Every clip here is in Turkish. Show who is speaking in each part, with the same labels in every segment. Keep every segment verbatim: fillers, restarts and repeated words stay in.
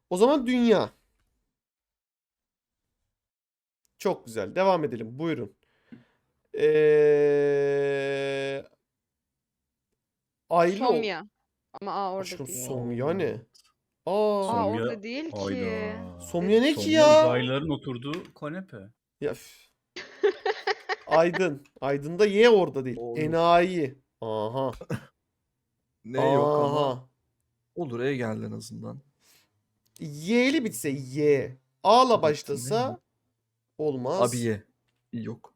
Speaker 1: O zaman dünya. Çok güzel. Devam edelim. Buyurun. Ee, Aylı ol.
Speaker 2: Somya. Ama A orada
Speaker 1: Aşkım
Speaker 2: değil.
Speaker 1: Somya ne? Aa,
Speaker 2: A
Speaker 3: Somya.
Speaker 2: orada değil ki.
Speaker 3: Hayda.
Speaker 1: Somya ne ki
Speaker 3: Somya
Speaker 1: ya?
Speaker 3: uzaylıların oturduğu kanepe.
Speaker 1: Ya, üf. Aydın. Aydın'da Y orada değil.
Speaker 4: Doğru.
Speaker 1: Enayi. Aha.
Speaker 4: Ne yok ama
Speaker 1: Aha.
Speaker 4: olur E geldi en azından.
Speaker 1: Y'li bitse Y. A'la
Speaker 4: Bitsin,
Speaker 1: başlasa olmaz.
Speaker 4: Abiye. Yok.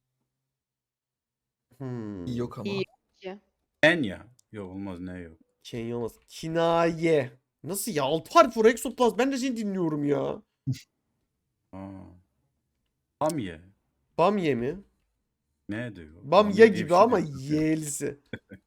Speaker 1: Hmm.
Speaker 4: İyi yok ama.
Speaker 2: İyi.
Speaker 3: Kenya. Yok olmaz ne yok.
Speaker 1: Kenya olmaz. Kinaye. Nasıl ya? Altı harf var Exoplast. Ben de seni dinliyorum ya.
Speaker 3: Aa. Bamye.
Speaker 1: Bamye mi?
Speaker 3: Ne diyor?
Speaker 1: Bamya
Speaker 3: diye bir
Speaker 1: gibi
Speaker 3: şey
Speaker 1: ama
Speaker 3: diyor Türkçe.
Speaker 1: Y'lisi.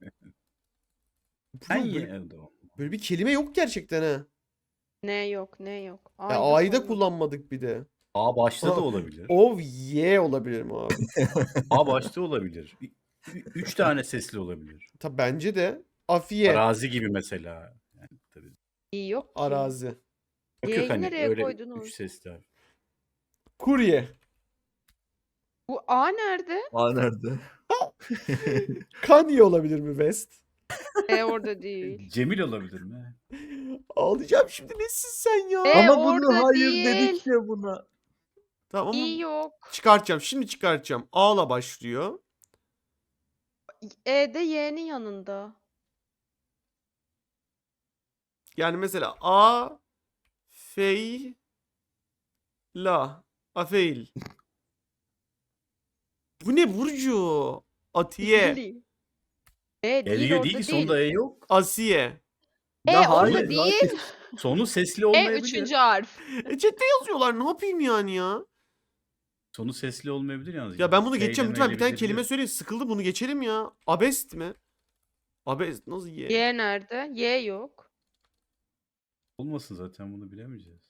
Speaker 3: Ben
Speaker 1: Böyle,
Speaker 3: ye evde o.
Speaker 1: böyle bir kelime yok gerçekten ha.
Speaker 2: Ne yok ne yok.
Speaker 1: Ya
Speaker 2: Ayda
Speaker 1: A'yı da
Speaker 2: sonunda.
Speaker 1: kullanmadık bir de.
Speaker 3: A başta da
Speaker 1: Aa,
Speaker 3: olabilir.
Speaker 1: O Y olabilir mi abi?
Speaker 3: A başta olabilir. Ü- ü- Üç tane sesli olabilir.
Speaker 1: Tabi bence de. Afiye.
Speaker 3: Arazi gibi mesela. Yani tabii.
Speaker 2: İyi yok ki.
Speaker 1: Arazi.
Speaker 3: Yok
Speaker 2: Y'yi
Speaker 3: yok hani
Speaker 2: nereye
Speaker 3: öyle
Speaker 2: koydunuz?
Speaker 3: üç sesli harf.
Speaker 1: Kurye.
Speaker 2: Bu A nerede?
Speaker 4: Aa nerede?
Speaker 1: Kanye olabilir mi West?
Speaker 2: E orada değil.
Speaker 3: Cemil olabilir mi?
Speaker 1: Ağlayacağım şimdi, nesin sen ya?
Speaker 2: E
Speaker 4: ama bunu
Speaker 2: orada
Speaker 4: hayır
Speaker 2: değil.
Speaker 4: dedik ya buna.
Speaker 1: Tamam
Speaker 2: İyi
Speaker 1: ama
Speaker 2: yok.
Speaker 1: çıkartacağım. Şimdi çıkartacağım. A'la başlıyor.
Speaker 2: E'de Y'nin yanında.
Speaker 1: Yani mesela A Fey La Afeil. Bu ne Burcu? Atiye.
Speaker 2: Değil. E
Speaker 3: E
Speaker 2: değil
Speaker 3: diyor
Speaker 2: orada
Speaker 3: değil ki
Speaker 2: değil.
Speaker 3: sonunda E yok.
Speaker 1: Asiye.
Speaker 2: E
Speaker 4: Ya
Speaker 2: orada
Speaker 4: hayır,
Speaker 2: değil.
Speaker 3: Sonu sesli
Speaker 2: E
Speaker 3: olmayabilir.
Speaker 2: üçüncü harf.
Speaker 1: E chatte yazıyorlar. Ne yapayım yani ya?
Speaker 3: Sonu sesli olmayabilir yalnız.
Speaker 1: Ya ben bunu
Speaker 3: F ile
Speaker 1: geçeceğim.
Speaker 3: M
Speaker 1: Lütfen
Speaker 3: ile
Speaker 1: bir tane
Speaker 3: bitiriyor.
Speaker 1: kelime söyleyin. Sıkıldım, bunu geçelim ya. Abest mi? Abest nasıl ye?
Speaker 2: Y nerede? Y yok.
Speaker 3: Olmasın zaten bunu bilemeyeceğiz.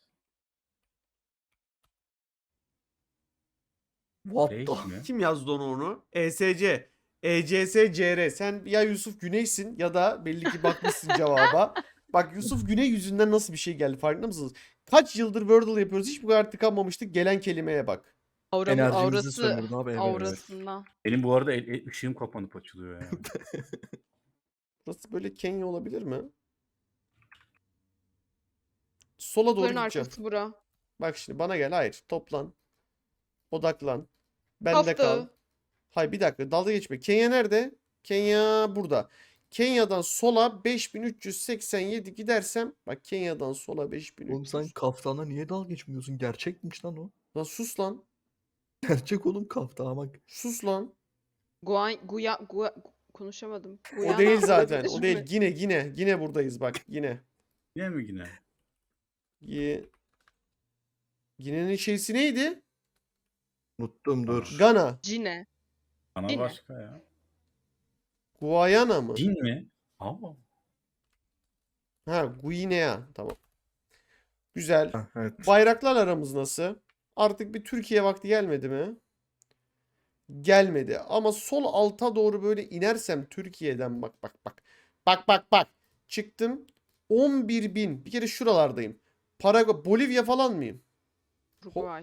Speaker 4: What
Speaker 3: Reis
Speaker 4: the?
Speaker 3: mi?
Speaker 1: Kim yazdı onu onu? E S C. E C S C R. Sen ya Yusuf Güney'sin ya da belli ki bakmışsın cevaba. Bak Yusuf Güney yüzünden nasıl bir şey geldi, farkında mısınız? Kaç yıldır Wordle yapıyoruz, hiç bu kadar tıkanmamıştık. Gelen kelimeye bak.
Speaker 2: Auramı,
Speaker 4: Enerjimizi
Speaker 2: aurası.
Speaker 4: sömürdü abi. Evet.
Speaker 2: Aurasından.
Speaker 3: Benim bu arada el, el- ışığım kapanıp açılıyor ya.
Speaker 1: Burası böyle Kenya olabilir mi? Sola doğru
Speaker 2: Bunların
Speaker 1: gideceğim.
Speaker 2: arkası bura.
Speaker 1: Bak şimdi bana gel. Hayır. Toplan. Odaklan. Bende kal.
Speaker 2: Hafta.
Speaker 1: Hayır bir dakika. Dalga geçme. Kenya nerede? Kenya burada. Kenya'dan sola beş bin üç yüz seksen yedi gidersem. Bak Kenya'dan sola beş bin üç yüz.
Speaker 4: Oğlum sen kaftana niye dalga geçmiyorsun? Gerçekmiş lan o.
Speaker 1: Lan sus lan.
Speaker 4: Gerçek oğlum kaftana bak.
Speaker 1: Sus lan.
Speaker 2: Guay, guya, guya, konuşamadım.
Speaker 1: O
Speaker 2: Guyana
Speaker 1: değil zaten.
Speaker 2: olabilir
Speaker 1: O değil.
Speaker 2: mi?
Speaker 1: Yine yine. Yine buradayız bak. Yine.
Speaker 3: Yine mi yine?
Speaker 1: Yi- Yine'nin şeysi neydi?
Speaker 4: Unuttum dur.
Speaker 1: Gana.
Speaker 2: Cine.
Speaker 3: Ana
Speaker 2: Yine.
Speaker 3: başka ya.
Speaker 1: Guyana mı?
Speaker 3: Cin mi? Aa.
Speaker 1: Ha, Guinea. Tamam. Güzel.
Speaker 4: Ha, evet.
Speaker 1: Bayraklar aramız nasıl? Artık bir Türkiye vakti gelmedi mi? Gelmedi. Ama sol alta doğru böyle inersem Türkiye'den bak bak bak. Bak bak bak. Çıktım. on bir bin. Bir kere şuralardayım. Paraguay, Bolivya falan mıyım?
Speaker 2: Uruguay.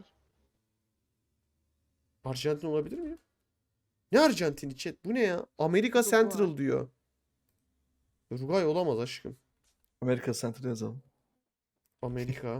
Speaker 1: Arjantin olabilir miyim? Ne Arjantin'i chat? Bu ne ya? Amerika
Speaker 2: Uruguay.
Speaker 1: Central diyor. Uruguay olamaz aşkım.
Speaker 4: Amerika Center'ı yazalım.
Speaker 1: Amerika.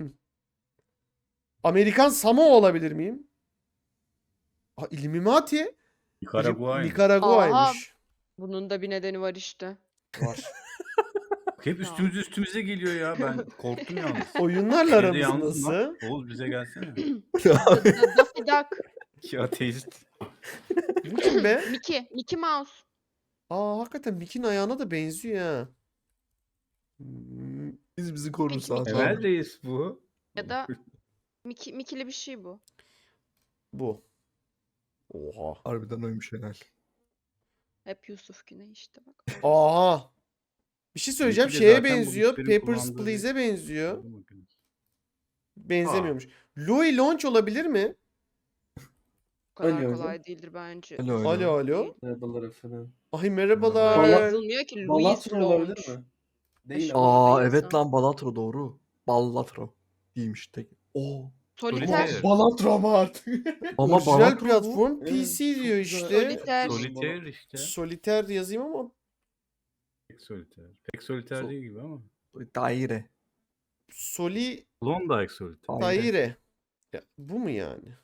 Speaker 1: Amerikan Samoa olabilir miyim? Ha, Illuminati.
Speaker 3: Nikaragua.
Speaker 1: Nikaragua'ymış.
Speaker 2: Bunun da bir nedeni var işte.
Speaker 1: Var.
Speaker 3: Hep üstümüze üstümüze geliyor ya. Ben korktum yalnız.
Speaker 1: Oyunlarla
Speaker 3: Şeyde
Speaker 1: aramız
Speaker 3: yalnızım lan.
Speaker 1: nasıl?
Speaker 3: Oğuz bize gelsene.
Speaker 2: Da- da- Daffy Duck.
Speaker 3: Ki ateist.
Speaker 1: Bu kim be?
Speaker 2: Mickey. Mickey Mouse.
Speaker 1: Aa hakikaten Mickey'nin ayağına da benziyor ha. Hmm,
Speaker 4: Biz bizi korursan.
Speaker 2: Peki,
Speaker 4: tamam.
Speaker 3: Emel reis bu.
Speaker 2: Ya da Mickey, Mickey'li bir şey bu.
Speaker 1: Bu. Oha.
Speaker 4: Harbiden oymuş helal.
Speaker 2: Hep Yusuf Güney işte bak.
Speaker 1: Aha. Bir şey söyleyeceğim.
Speaker 3: Mickey de
Speaker 1: Şeye
Speaker 3: zaten bu
Speaker 1: benziyor.
Speaker 3: güçlerin
Speaker 1: Papers,
Speaker 3: kullandığı
Speaker 1: Please'e
Speaker 3: bir-
Speaker 1: benziyor. Benzemiyormuş. Louis Launch olabilir mi?
Speaker 2: Bu kadar
Speaker 5: Alo.
Speaker 2: kolay değildir bence.
Speaker 4: Alo alo.
Speaker 1: Alo alo.
Speaker 5: Merhabalar efendim.
Speaker 1: Ay
Speaker 2: Öyle
Speaker 1: merhabalar.
Speaker 2: yazılmıyor ki. Louis
Speaker 5: Balatro olabilir
Speaker 2: Launch.
Speaker 5: mi? Değil
Speaker 2: Aşağı-
Speaker 5: ama.
Speaker 4: Aa
Speaker 2: Olmayı
Speaker 4: evet
Speaker 2: insan.
Speaker 4: lan Balatro doğru. Ballatro değilmiş tek. Oo.
Speaker 2: Soliter.
Speaker 3: Solitaire.
Speaker 5: Balatro artık.
Speaker 4: Ama
Speaker 1: Orijinal
Speaker 4: Ballatro bu.
Speaker 1: platform
Speaker 5: Evet,
Speaker 1: P C
Speaker 5: çok
Speaker 1: diyor
Speaker 5: güzel.
Speaker 1: işte.
Speaker 2: Solitaire.
Speaker 3: Solitaire işte.
Speaker 1: Soliter yazayım ama
Speaker 3: Pek solitaire. Pek solitaire
Speaker 4: Sol-
Speaker 3: değil gibi ama.
Speaker 4: Daire.
Speaker 1: Soli
Speaker 3: Klondike solitaire.
Speaker 4: Daire.
Speaker 1: Daire. Ya, bu mu yani?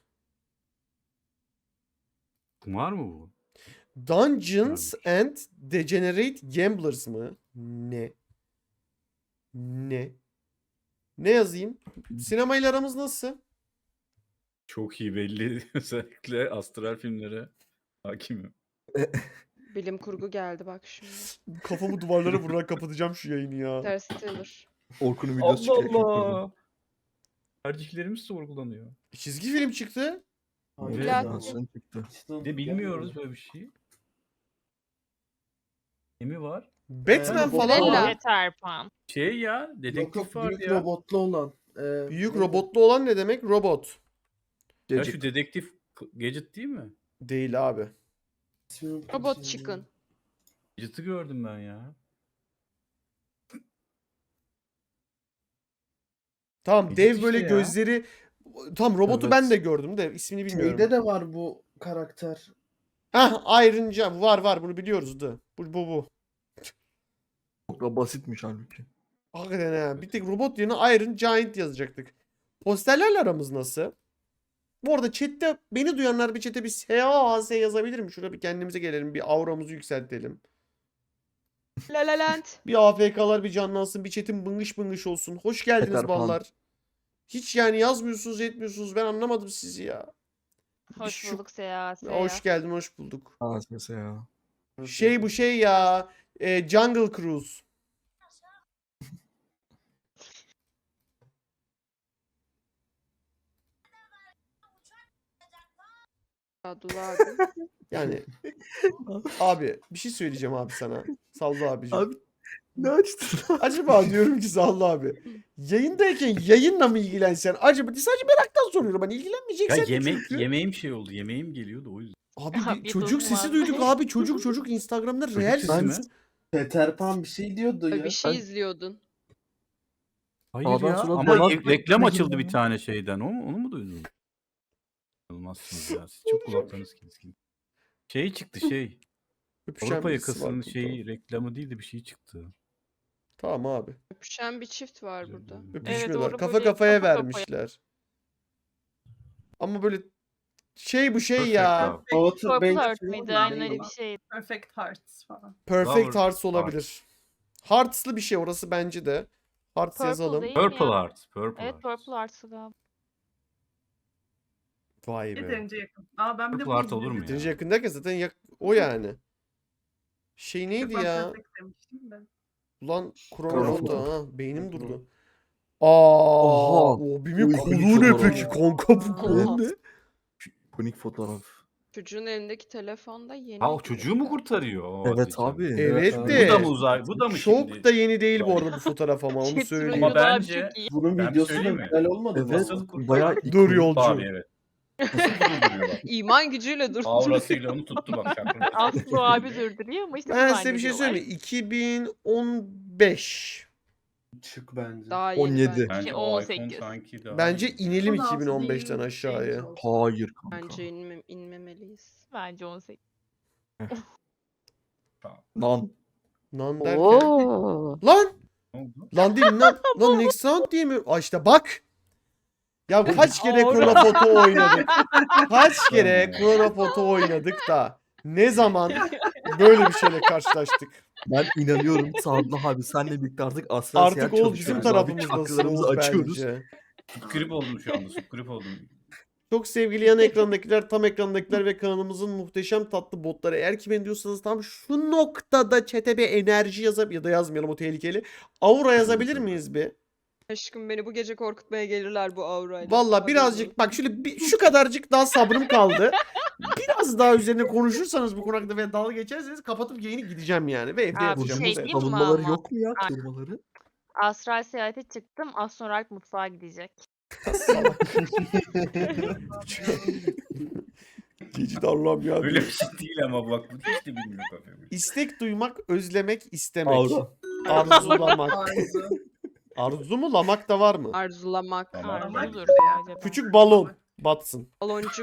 Speaker 3: Var mı bu?
Speaker 1: Dungeons and Degenerate Gamblers mı? Ne? Ne? Ne yazayım? Sinemayla aramız nasıl?
Speaker 3: Çok iyi belli. Özellikle astral filmlere hakimim.
Speaker 2: Bilim kurgu geldi bak şimdi.
Speaker 1: Kafamı duvarlara vurarak kapatacağım şu yayını ya.
Speaker 2: Interstellar.
Speaker 4: Orkun'un videosu çıkıyor. ekran kurdu.
Speaker 3: Tercihlerimiz sorgulanıyor.
Speaker 1: Çizgi film çıktı.
Speaker 5: Hayır,
Speaker 3: Evet,
Speaker 5: ya.
Speaker 4: Animasyon çıktı.
Speaker 3: Bir de bilmiyoruz böyle bir şey. Ne mi var?
Speaker 1: Batman
Speaker 5: Ee,
Speaker 1: falan
Speaker 2: Bella.
Speaker 1: var.
Speaker 6: Yeter Pan.
Speaker 3: Şey ya,
Speaker 5: Yok
Speaker 3: dedektif
Speaker 5: yok
Speaker 3: var
Speaker 5: büyük
Speaker 3: ya.
Speaker 5: robotlu olan. Ee,
Speaker 1: Büyük
Speaker 5: neydi?
Speaker 1: robotlu olan ne demek? Robot.
Speaker 3: Ya
Speaker 4: Gadget.
Speaker 3: şu dedektif Gadget değil mi?
Speaker 1: Değil abi.
Speaker 5: İsmini unuttum
Speaker 2: Robot
Speaker 5: şimdi.
Speaker 2: Chicken.
Speaker 3: Gadget'ı gördüm ben ya.
Speaker 1: Tamam,
Speaker 3: Gadget
Speaker 1: dev
Speaker 3: işte
Speaker 1: böyle
Speaker 3: ya.
Speaker 1: gözleri. Tam robotu
Speaker 4: Evet.
Speaker 1: ben de gördüm de ismini bilmiyorum.
Speaker 5: Şeyde de var bu karakter.
Speaker 1: Hah, Iron Giant var var, bunu biliyoruz da. Bu bu bu.
Speaker 4: Çok da basitmiş halbuki.
Speaker 1: Hakikaten ha. Bir tek robot yerine Iron Giant yazacaktık. Posterlerle aramız nasıl? Bu arada chatte beni duyanlar bir chatte bir S A A S yazabilir mi? Şurada bir kendimize gelelim. Bir auramızı yükseltelim.
Speaker 2: La La Land.
Speaker 1: Bir A F K'lar bir canlansın. Bir chatin bıngış bıngış olsun. Hoş geldiniz
Speaker 4: Peter Pan.
Speaker 1: ballar. Hiç yani yazmıyorsunuz etmiyorsunuz. Ben anlamadım sizi ya.
Speaker 6: Hoş
Speaker 1: Şu-
Speaker 6: bulduk Seya. Seya.
Speaker 1: Hoş geldin, hoş bulduk.
Speaker 4: Ha mesela.
Speaker 1: Şey bu şey ya. e, Jungle Cruise.
Speaker 2: Abdullah abi.
Speaker 1: Yani abi bir şey söyleyeceğim abi sana. Sallı abicim.
Speaker 4: Abi ne açtın?
Speaker 1: Acaba diyorum ki Sallı abi. Yayındayken yayınla mı ilgilensen? Acaba sadece meraktan soruyorum. Ben
Speaker 3: Ya
Speaker 1: ilgilenmeyeceksen de
Speaker 3: yemek
Speaker 1: çünkü.
Speaker 3: yemeğim şey oldu. Yemeğim geliyordu o yüzden.
Speaker 1: Abi bir
Speaker 6: Afiyet
Speaker 1: çocuk
Speaker 6: olsun
Speaker 1: sesi
Speaker 6: abi.
Speaker 1: duyduk abi. Çocuk çocuk Instagram'da
Speaker 3: Çocuk
Speaker 1: real
Speaker 3: sesi mi?
Speaker 1: sesi.
Speaker 5: Peter Pan bir şey diyordu ya.
Speaker 2: Bir şey
Speaker 5: Ben-
Speaker 2: izliyordun.
Speaker 3: Hayır
Speaker 4: Sağdan
Speaker 3: ya
Speaker 4: sola
Speaker 3: ama
Speaker 4: dolan-
Speaker 3: ye- reklam
Speaker 4: Ne
Speaker 3: açıldı
Speaker 4: gibi
Speaker 3: bir
Speaker 4: ya?
Speaker 3: tane şeyden. Onu, onu mu duydun? Olmazsınız ya. Siz çok kulaklarınız keskin. Şey çıktı şey.
Speaker 1: Öpüşen
Speaker 3: Avrupa
Speaker 1: birisi var
Speaker 3: yakasının
Speaker 1: burada.
Speaker 3: şeyi reklamı değil de bir şey çıktı.
Speaker 1: Tamam abi.
Speaker 2: Öpüşen bir çift var burada.
Speaker 1: Öpüşmüyorlar.
Speaker 6: doğru,
Speaker 1: Kafa
Speaker 6: böyle
Speaker 1: kafaya
Speaker 6: kafa kafaya.
Speaker 1: vermişler. Ama böyle şey bu şey
Speaker 3: Perfect
Speaker 1: ya.
Speaker 3: Love.
Speaker 5: Outer
Speaker 6: Purple
Speaker 5: Banks
Speaker 6: Heart
Speaker 5: falan
Speaker 6: mıydı?
Speaker 5: mı?
Speaker 6: Aynen öyle
Speaker 5: Neydi?
Speaker 6: bir şey.
Speaker 7: Perfect Hearts falan.
Speaker 1: Perfect
Speaker 3: Lover
Speaker 1: Hearts olabilir. Hearts'lı bir şey orası bence de. Hearts
Speaker 6: Purple
Speaker 1: yazalım.
Speaker 6: değil mi
Speaker 3: Purple
Speaker 6: ya?
Speaker 3: Heart. Purple
Speaker 6: Evet
Speaker 3: Heart.
Speaker 6: Purple Hearts'ı galiba.
Speaker 1: Vay be.
Speaker 7: Yeterince yakın. Aa ben bir de
Speaker 3: Purple
Speaker 7: bunu
Speaker 3: Heart olur mu
Speaker 7: izledim.
Speaker 3: ya?
Speaker 1: Yeterince yakın derken zaten yak- o yani. Şey neydi
Speaker 7: Ben
Speaker 1: ya?
Speaker 7: Perfect demiştim de.
Speaker 1: Ulan
Speaker 4: Kronofoto.
Speaker 1: Kronofoto ha. Beynim durdu. Aa,
Speaker 4: Oha.
Speaker 1: o bimin
Speaker 4: Uy,
Speaker 1: kolu
Speaker 4: ikonik
Speaker 1: ne
Speaker 4: fotoğraf.
Speaker 1: peki kanka, bu kolu
Speaker 6: Oha.
Speaker 1: ne?
Speaker 4: İkonik fotoğraf.
Speaker 2: Çocuğun elindeki telefonda yeni.
Speaker 3: Ha o çocuğu mu kurtarıyor? O
Speaker 4: Evet
Speaker 3: ateşten?
Speaker 4: abi.
Speaker 1: Evet
Speaker 5: abi.
Speaker 1: de.
Speaker 3: Bu da mı uzay? Bu da mı
Speaker 1: Çok
Speaker 3: şimdi?
Speaker 1: da yeni değil bu arada bu fotoğraf ama onu
Speaker 6: Chat
Speaker 1: söyleyeyim.
Speaker 3: Ama
Speaker 6: Ama
Speaker 3: bence-
Speaker 6: çok iyi.
Speaker 5: Bunun
Speaker 3: Ben
Speaker 5: videosu da
Speaker 3: söyleyeyim mi?
Speaker 5: güzel olmadı mı?
Speaker 4: Evet.
Speaker 3: Nasıl kurtarıyor?
Speaker 4: Bayağı
Speaker 1: Dur
Speaker 4: ikonik.
Speaker 1: yolcu.
Speaker 3: Abi evet. Nasıl durduruyor bak.
Speaker 2: İman gücüyle dur.
Speaker 3: Aurasıyla onu tuttu bak. şakır.
Speaker 6: Aslı abi durduruyor ama işte
Speaker 1: Ben
Speaker 6: bu
Speaker 1: size bir şey
Speaker 6: zannediyorlar.
Speaker 1: söyleyeyim mi? iki bin on beş.
Speaker 5: Çık bence.
Speaker 2: Daha yeni
Speaker 4: on yedi.
Speaker 2: bence.
Speaker 3: Bence
Speaker 6: on
Speaker 3: o iPhone
Speaker 6: sekiz.
Speaker 3: sanki daha
Speaker 1: Bence
Speaker 3: iyi.
Speaker 1: inelim
Speaker 7: on altı
Speaker 1: iki bin on beşten
Speaker 7: değil,
Speaker 1: aşağıya.
Speaker 7: genç olsun.
Speaker 4: Hayır kanka.
Speaker 2: Bence inme, inmemeliyiz.
Speaker 6: Bence on sekiz.
Speaker 4: Lan.
Speaker 1: Lan derken.
Speaker 6: Oo.
Speaker 1: Lan!
Speaker 3: Ne oldu?
Speaker 1: Lan değil lan. Lan Next Sound diye mi? Aa işte bak. Ya kaç kere
Speaker 6: Doğru.
Speaker 1: Chronofoto oynadık. Kaç kere Chronofoto oynadık da ne zaman böyle bir şeyle karşılaştık.
Speaker 4: Ben inanıyorum Sadullah abi senle birlikte artık aslan
Speaker 1: Artık
Speaker 4: seyahat
Speaker 1: o bizim
Speaker 4: çalışıyoruz abi.
Speaker 1: tarafımızdasınız
Speaker 4: Çakralarımızı açıyoruz.
Speaker 1: bence.
Speaker 3: Subgrip oldum şu anda. Subgrip oldum.
Speaker 1: Çok sevgili yan ekrandakiler, tam ekrandakiler ve kanalımızın muhteşem tatlı botları. Eğer ki beni diyorsanız tam şu noktada chat'e bir enerji yazıp ya da yazmayalım, o tehlikeli. Aura yazabilir miyiz bir?
Speaker 2: Aşkım beni bu gece korkutmaya gelirler bu aurayla.
Speaker 1: Valla
Speaker 2: Haberin
Speaker 1: birazcık
Speaker 2: olsun.
Speaker 1: bak şöyle bir, şu kadarcık daha sabrım kaldı. Biraz daha üzerine konuşursanız bu konu hakkında ve dalga geçerseniz kapatıp yayını gideceğim yani ve evde
Speaker 6: Abi,
Speaker 1: yapacağım.
Speaker 6: şey
Speaker 1: Bu kadar.
Speaker 6: diyeyim mi
Speaker 4: Savunmaları
Speaker 6: ama?
Speaker 4: yok mu ya
Speaker 6: Bak.
Speaker 4: korumaları?
Speaker 6: Astral seyahate çıktım. Astronalp mutfağa gidecek.
Speaker 1: Salak. Cici de Allah'ım ya.
Speaker 3: Öyle bir şey değil ama bak. Bu hiç de bilmiyor kafamı.
Speaker 1: İstek duymak, özlemek, istemek.
Speaker 4: Aura.
Speaker 1: Arzulamak.
Speaker 7: Arzu.
Speaker 1: Arzu mu lamak da var mı?
Speaker 2: Arzulamak.
Speaker 3: Tamam.
Speaker 6: Arzudur
Speaker 7: ya.
Speaker 6: acaba.
Speaker 1: Küçük balon batsın.
Speaker 2: Baloncuk.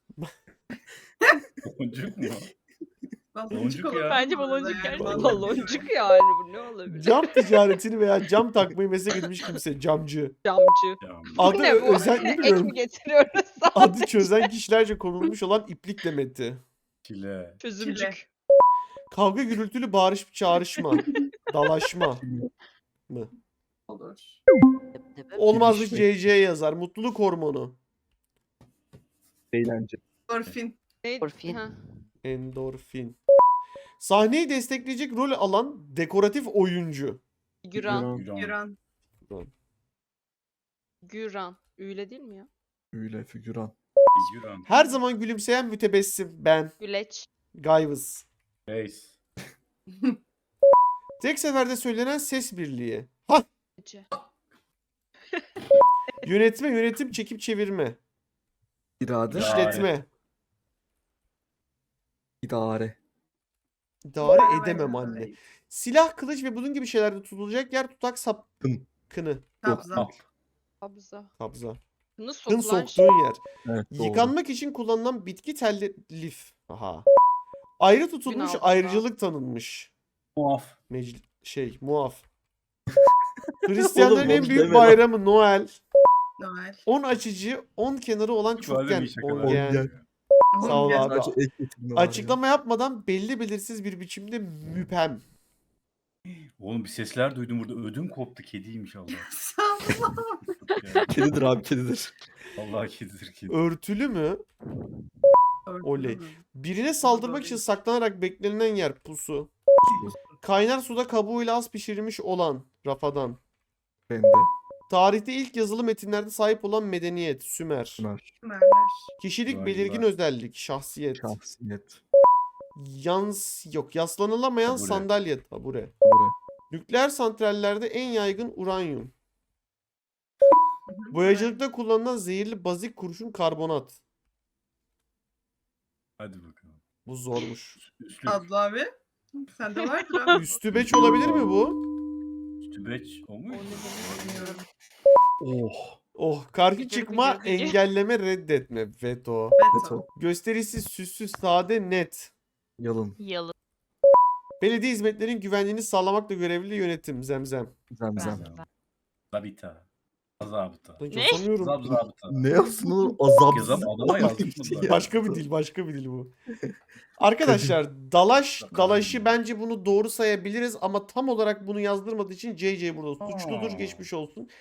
Speaker 3: Boncuk mu?
Speaker 7: Baloncuk
Speaker 3: Boncuk
Speaker 7: olur
Speaker 3: ya.
Speaker 2: Bence
Speaker 7: bu arada
Speaker 2: baloncuk
Speaker 7: yani.
Speaker 2: gerçekten.
Speaker 7: Vallahi
Speaker 2: Baloncuk yani bu ne olabilir?
Speaker 1: Cam ticaretini veya cam takmayı meslek edinmiş kimse. Camcı.
Speaker 2: Camcı.
Speaker 3: Ya,
Speaker 1: Adı
Speaker 2: ne bu?
Speaker 1: özel ne
Speaker 2: Ek
Speaker 1: bilmiyorum.
Speaker 2: mi getiriyoruz?
Speaker 1: Adı çözen kişilerce konulmuş olan iplik demeti.
Speaker 3: çile.
Speaker 2: Çözümcük.
Speaker 1: Kavga gürültülü bağırış çağrışma. Dalaşma.
Speaker 7: Olur.
Speaker 1: Olmazlık
Speaker 4: Girişmek.
Speaker 1: C C yazar. Mutluluk hormonu.
Speaker 4: Eğlence.
Speaker 7: Orfin.
Speaker 2: Neydi?
Speaker 6: Orfin.
Speaker 2: Ha.
Speaker 1: Endorfin. Sahneyi destekleyecek rol alan dekoratif oyuncu.
Speaker 2: Güran.
Speaker 3: Güran.
Speaker 7: Güran.
Speaker 2: Güran. Üyle değil mi ya?
Speaker 4: Öyle figüran.
Speaker 3: Güran.
Speaker 1: Her zaman gülümseyen mütebessim. Ben.
Speaker 2: Güleç.
Speaker 1: Gayvız.
Speaker 3: Reis.
Speaker 1: Tek seferde söylenen ses birliği. Ha!
Speaker 2: Ece.
Speaker 1: Yönetme, yönetim, çekip çevirme.
Speaker 4: İrade.
Speaker 3: Ya.
Speaker 1: İşletme.
Speaker 4: İdare.
Speaker 1: İdare edemem anne. Silah, kılıç ve bunun gibi şeylerde tutulacak yer tutak sap...
Speaker 4: Kın.
Speaker 1: Kını.
Speaker 7: Kabza.
Speaker 3: Al.
Speaker 2: Kabza.
Speaker 1: Kabza.
Speaker 2: Kını
Speaker 1: Kın
Speaker 2: sokulan şey.
Speaker 1: soktuğun yer.
Speaker 4: Evet doğru.
Speaker 1: Yıkanmak için kullanılan bitki telli lif. Aha. Ayrı tutulmuş,
Speaker 2: Günah
Speaker 1: ayrıcalık tanınmış.
Speaker 3: Muaf.
Speaker 1: Mecl şey, muaf. Hristiyanların en
Speaker 4: boş
Speaker 1: büyük
Speaker 4: deme lan.
Speaker 1: bayramı Noel.
Speaker 7: Noel.
Speaker 1: On açıcı, on kenarı olan
Speaker 3: Bazen
Speaker 1: çokgen.
Speaker 3: iyi şakalar.
Speaker 1: Ongen.
Speaker 4: Ongen.
Speaker 1: Sağ ol
Speaker 7: Ongen.
Speaker 1: abi.
Speaker 4: Sadece ek getirme var ya.
Speaker 1: Açıklama yapmadan belli belirsiz bir biçimde müpem.
Speaker 3: Oğlum bir sesler duydum burada. Ödüm koptu. Kediymiş Allah.
Speaker 7: Sağ
Speaker 3: Yani,
Speaker 4: Kedidir abi kedidir.
Speaker 3: Allah kedidir kedi.
Speaker 1: Örtülü mü? Oley. Birine saldırmak için saklanarak beklenilen yer pusu. Kaynar suda kabuğuyla az pişirilmiş olan rafadan.
Speaker 4: Bende.
Speaker 1: Tarihte ilk yazılı metinlerde sahip olan medeniyet Sümer.
Speaker 4: Ömer.
Speaker 7: Sümerler.
Speaker 1: Kişilik
Speaker 3: Vay
Speaker 1: belirgin
Speaker 3: vay.
Speaker 1: özellik şahsiyet.
Speaker 4: Şahsiyet.
Speaker 1: Yans yok yaslanılamayan
Speaker 3: Tabure.
Speaker 1: sandalye tabure.
Speaker 4: Buraya.
Speaker 1: Nükleer santrallerde en yaygın uranyum. Boyacılıkta kullanılan zehirli bazik kurşun karbonat.
Speaker 3: Hadi bakalım.
Speaker 1: Bu zormuş.
Speaker 3: Üstlük.
Speaker 7: Abla abi. Sende vardır abi.
Speaker 1: Üstü beç olabilir mi bu?
Speaker 3: Üstübeç o
Speaker 2: O
Speaker 3: mu?
Speaker 2: ne demek bilmiyorum.
Speaker 4: Oh.
Speaker 1: Oh, karşı
Speaker 2: Gıcır
Speaker 1: çıkma,
Speaker 2: gıcır gıcır.
Speaker 1: engelleme, reddetme, veto.
Speaker 7: Beto.
Speaker 4: Beto.
Speaker 1: Gösterişsiz, süssüz, sade, net.
Speaker 4: Yalın.
Speaker 6: Yalı.
Speaker 1: Belediye hizmetlerinin güvenliğini sağlamakla görevli yönetim, zemzem.
Speaker 4: Zemzem.
Speaker 6: Ben-
Speaker 3: Zabita. Zabıta.
Speaker 1: Ben hiç
Speaker 6: Ne?
Speaker 1: yazamıyorum.
Speaker 3: Zab zabıta.
Speaker 4: Ne yapsın oğlum? Azap.
Speaker 3: Yazam adama yazmış bunlar.
Speaker 1: Başka bir dil, başka bir dil bu. Arkadaşlar, dalaş, dalaşı bence bunu doğru sayabiliriz ama tam olarak bunu yazdırmadığı için C C burada suçludur,
Speaker 3: Aa.
Speaker 1: geçmiş olsun.